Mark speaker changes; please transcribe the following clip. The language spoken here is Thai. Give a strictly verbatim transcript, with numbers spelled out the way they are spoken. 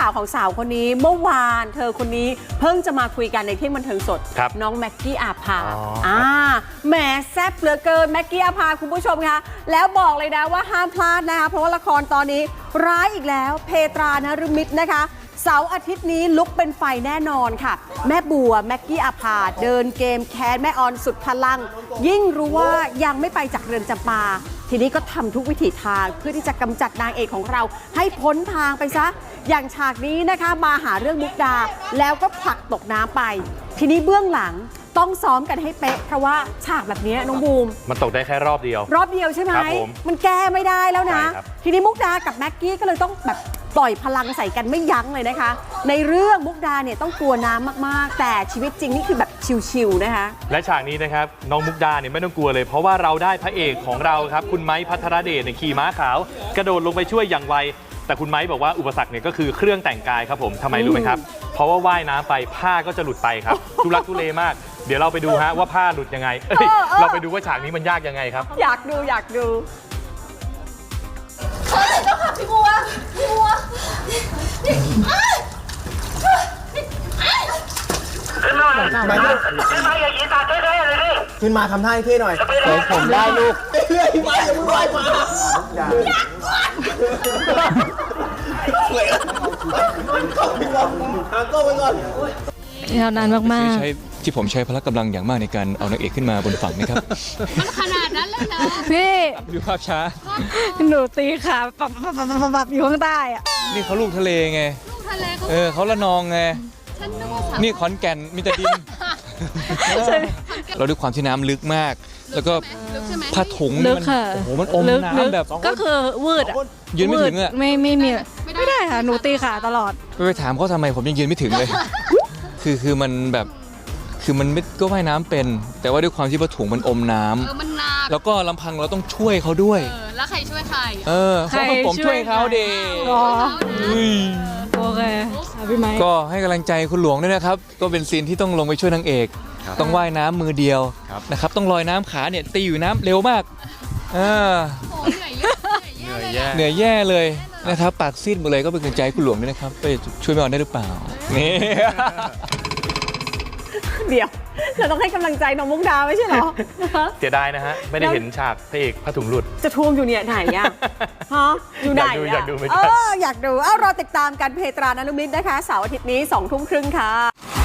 Speaker 1: าวของสาวคนนี้เมื่อวานเธอคนนี้เพิ่งจะมาคุยกันในเที่ยงบันเทิงสดน้องแม็กกี้อาภาอ่าแหมแซ่บเหลือเกินแม็กกี้อาภาคุณผู้ชมคะแล้วบอกเลยนะว่าห้ามพลาดนะคะเพราะว่าละครตอนนี้ร้ายอีกแล้วเพตรานฤมิตนะคะเสาร์อาทิตย์นี้ลุกเป็นไฟแน่นอนค่ะแม่บัวแม็กกี้อาภาเดินเกมแค้นแม่ออนสุดพลังยิ่งรู้ว่ายังไม่ไปจากเรือนจำปาทีนี้ก็ทำทุกวิถีทางเพื่อที่จะกำจัดนางเอกของเราให้พ้นทางไปซะอย่างฉากนี้นะคะมาหาเรื่องมุกดาแล้วก็ผลักตกน้ำไปทีนี้เบื้องหลังต้องซ้อมกันให้เป๊ะเพราะว่าฉากแบบนี้น้องบูม
Speaker 2: มันตกได้แค่รอบเดียว
Speaker 1: รอบเดียวใช่ไหมมันแก้ไม่ได้แล้วนะทีนี้มุกดากับแม็กกี้ก็เลยต้องแบบปล่อยพลังใส่กันไม่ยั้งเลยนะคะในเรื่องมุกดาเนี่ยต้องกลัวน้ำมากๆแต่ชีวิตจริงนี่คือแบบชิวๆนะคะ
Speaker 2: และฉากนี้นะครับน้องมุกดาเนี่ยไม่ต้องกลัวเลยเพราะว่าเราได้พระเอกของเราครับคุณไม้พัทรเดชเนี่ยขี่ม้าขาวกระโดดลงไปช่วยอย่างไวแต่คุณไม้บอกว่าอุปสรรคเนี่ยก็คือเครื่องแต่งกายครับผมทำไมรู้ไหมครับเพราะว่าว่ายน้ำไปผ้าก็จะหลุดไปครับทุลักทุเลมากเดี๋ยวเราไปดูฮะว่าผ้าหลุดยังไงเอ้ยเราไปดูว่าฉากนี้มันยากยังไงครับ
Speaker 1: อยากดูอยากดู
Speaker 3: เฮ้ยเจ้าค่ะพี่บัวพี่บัว
Speaker 4: ขึ้นมาขึ้นมาอย่ายีตาเท่ๆเลยดิ
Speaker 5: ขึ้นมาทำท่าให้เท่หน่อย
Speaker 4: ผมได้ลูก
Speaker 5: เรื่อยๆมาอย่ามึงไหวมาอย่าสวยเข้าไปก่อนหาก็ไปก่อน
Speaker 6: ยาวนานมาก
Speaker 7: ๆที่ผมใช้พละกำลังอย่างมากในการเอานางเอกขึ้นมาบนฝั่งนะครับ
Speaker 3: มันขนาดนั้นเลยเหรอ
Speaker 6: พี่
Speaker 7: ดูภาพช้า
Speaker 6: หนูตีขาปับปับปับปับปับอยู่ข้างใต้อะ
Speaker 7: นี่เขาลูกทะเลไง
Speaker 3: ลูกทะเลเขา
Speaker 7: เออเขาละนองไง
Speaker 3: ฉันนึกว่าสาว
Speaker 7: นี่ขอนแก่นมีแต่ดินเราด้วยความที่น้ำลึกมากแล้วก็ผ้าถุงนี่มันโอ้โหมันอมน้ำแบบ
Speaker 6: ก็คือวืดอะ
Speaker 7: ยืนไม่ถึงอะ
Speaker 6: ไม่ไม่มีไม่ได้ค่ะหนูตีขาตลอด
Speaker 7: ไปถามเขาทำไมผมยังยืนไม่ถึงเลยคือคือมันแบบคือมันไม่ก็ว่ายน้ำเป็นแต่ว่าด้วยความที่ผ้าถุงมันอมน้ำแล้วก็ลำพังเราต้องช่วยเขาด้วย
Speaker 3: แล้วใครช่วยใคร
Speaker 7: เออเขาผมช่วยเขาเด็ก
Speaker 6: โอเคพี่ไม้
Speaker 7: ก็ให้กำลังใจคุณหลวงด้วยนะครับก็เป็นซีนที่ต้องลงไปช่วยนางเอกต้องว่ายน้ำมือเดียวนะครับต้องลอยน้ำขาเนี่ยตีอยู่น้ำเร็วมากเออเหนื่อยแย่เหนื่อยแย่เลยนะครับปากซีดหมดเลยก็เป็นกำลังใจคุณหลวงด้วยนะครับไปช่วยแม่ออนได้หรือเปล่านี่
Speaker 1: เดี๋ยวเราต้องให้กำลังใจน้องมุกดาไม่ใช่เหรอ
Speaker 2: เสียดายนะฮะไม่ได้เห็นฉากพระเอกผ้าถุงหลุด
Speaker 1: จะทวงอยู่เนี่ยไหนอ่ะฮะอยู่ไหน
Speaker 2: อยากดูอยากดู
Speaker 1: เอออยากดูเอารอติดตามกันเพตรานฤมิตนะคะเสาร์อาทิตย์นี้สองทุ่มครึ่งค่ะ